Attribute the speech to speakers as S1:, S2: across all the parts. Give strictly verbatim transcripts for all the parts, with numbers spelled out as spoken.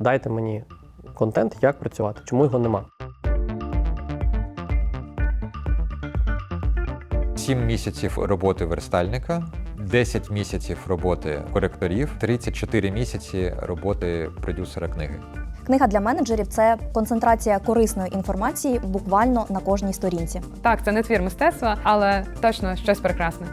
S1: дайте мені контент, як працювати, чому його нема.
S2: Сім місяців роботи верстальника, десять місяців роботи коректорів, тридцять чотири місяці роботи продюсера книги.
S3: Книга для менеджерів – це концентрація корисної інформації буквально на кожній сторінці.
S4: Так, це не твір мистецтва, але точно щось прекрасне.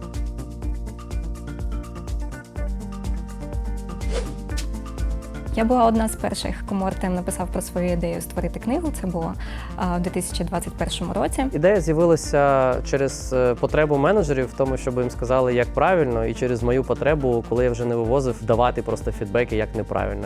S5: Я була одна з перших, кому Артем написав про свою ідею створити книгу. Це було а, у дві тисячі двадцять першому році.
S1: Ідея з'явилася через потребу менеджерів в тому, щоб їм сказали, як правильно, і через мою потребу, коли я вже не вивозив, давати просто фідбеки, як неправильно.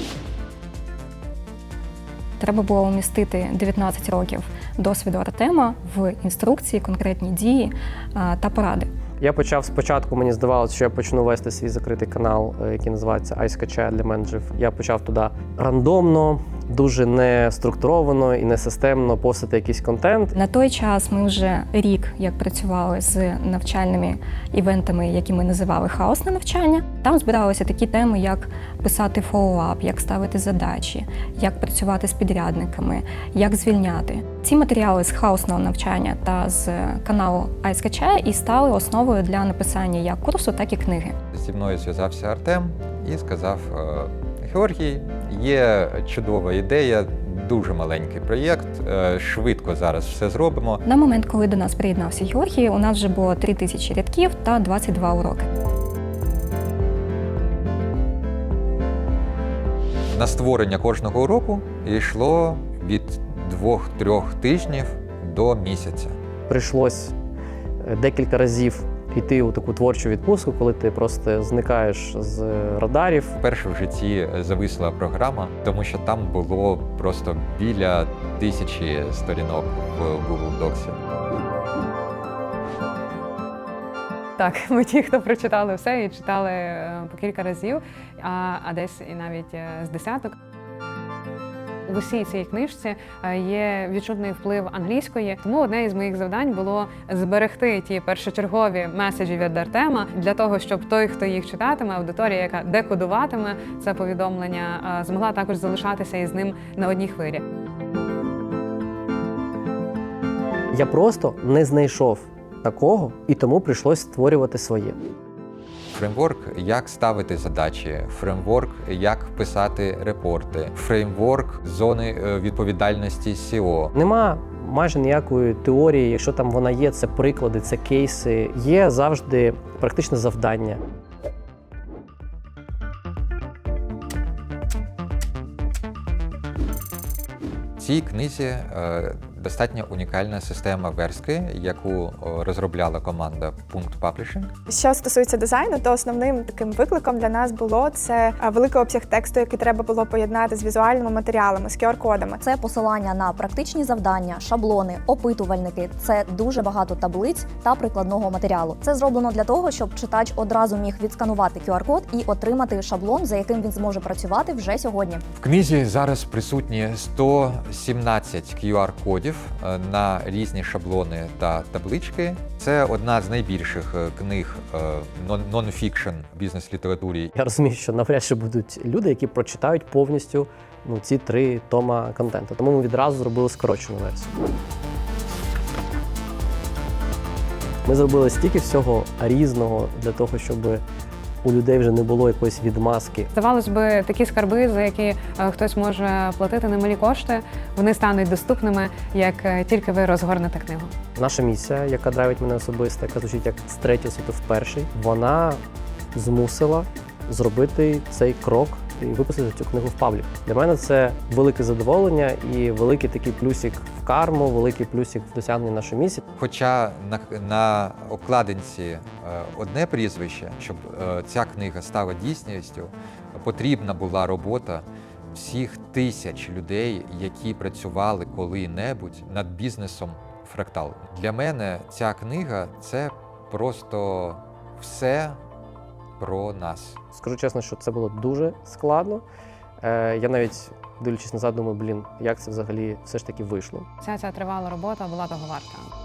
S5: Треба було умістити дев'ятнадцять років досвіду Артема в інструкції, конкретні дії а, та поради.
S1: Я почав спочатку, мені здавалося, що я почну вести свій закритий канал, який називається iSketch для менеджерів. Я почав туди рандомно, дуже не структуровано і не системно постити якийсь контент.
S5: На той час ми вже рік як працювали з навчальними івентами, які ми називали хаосне навчання. Там збиралися такі теми, як писати фоллоуап, як ставити задачі, як працювати з підрядниками, як звільняти. Ці матеріали з хаосного навчання та з каналу iSketch і стали основою для написання як курсу, так і книги.
S2: Зі мною зв'язався Артем і сказав: Георгій, є чудова ідея, дуже маленький проєкт, швидко зараз все зробимо.
S5: На момент, коли до нас приєднався Георгій, у нас вже було три тисячі рядків та двадцять два уроки.
S2: На створення кожного уроку йшло від двох-трьох тижнів до місяця.
S1: Прийшлось декілька разів йти у таку творчу відпустку, коли ти просто зникаєш з радарів.
S2: Вперше в житті зависла програма, тому що там було просто біля тисячі сторінок в Google Docs.
S4: Так, ми ті, хто прочитали все і читали по кілька разів, а, а десь і навіть з десяток. У усій цій книжці є відчутний вплив англійської, тому одне із моїх завдань було зберегти ті першочергові меседжі від Артема для того, щоб той, хто їх читатиме, аудиторія, яка декодуватиме це повідомлення, змогла також залишатися із ним на одній хвилі.
S1: Я просто не знайшов такого, і тому прийшлось створювати своє.
S2: Фреймворк, як ставити задачі, фреймворк, як писати репорти, фреймворк зони відповідальності сі і о.
S1: Нема майже ніякої теорії, якщо там вона є, це приклади, це кейси. Є завжди практичне завдання.
S2: В цій книзі е, достатньо унікальна система верстки, яку розробляла команда Punkt Publishing.
S6: Що стосується дизайну, то основним таким викликом для нас було це великий обсяг тексту, який треба було поєднати з візуальними матеріалами, з ку ар-кодами.
S3: Це посилання на практичні завдання, шаблони, опитувальники. Це дуже багато таблиць та прикладного матеріалу. Це зроблено для того, щоб читач одразу міг відсканувати ку ар-код і отримати шаблон, за яким він зможе працювати вже сьогодні.
S2: В книзі зараз присутні сто сімнадцять ку ар-кодів на різні шаблони та таблички. Це одна з найбільших книг нон-фікшн бізнес-літературі.
S1: Я розумію, що навряд чи будуть люди, які прочитають повністю ну, ці три тома контенту. Тому ми відразу зробили скорочену версію. Ми зробили стільки всього різного для того, щоб у людей вже не було якоїсь відмазки.
S4: Здавалось би, такі скарби, за які хтось може платити немалі кошти, вони стануть доступними, як тільки ви розгорнете книгу.
S1: Наша місія, яка драйвить мене особисто, яка звучить як з третього світу в перший, вона змусила зробити цей крок і випустити цю книгу в паблік. Для мене це велике задоволення і великий такий плюсик в карму, великий плюсик в досягненні нашої місії.
S2: Хоча на, на обкладинці е, одне прізвище, щоб е, ця книга стала дійсністю, потрібна була робота всіх тисяч людей, які працювали коли-небудь над бізнесом Фрактал. Для мене ця книга – це просто все про нас.
S1: Скажу чесно, що це було дуже складно. Е, я навіть, дивлячись назад, думаю, блін, як це взагалі все ж таки вийшло.
S4: Ця ця тривала робота була того варта.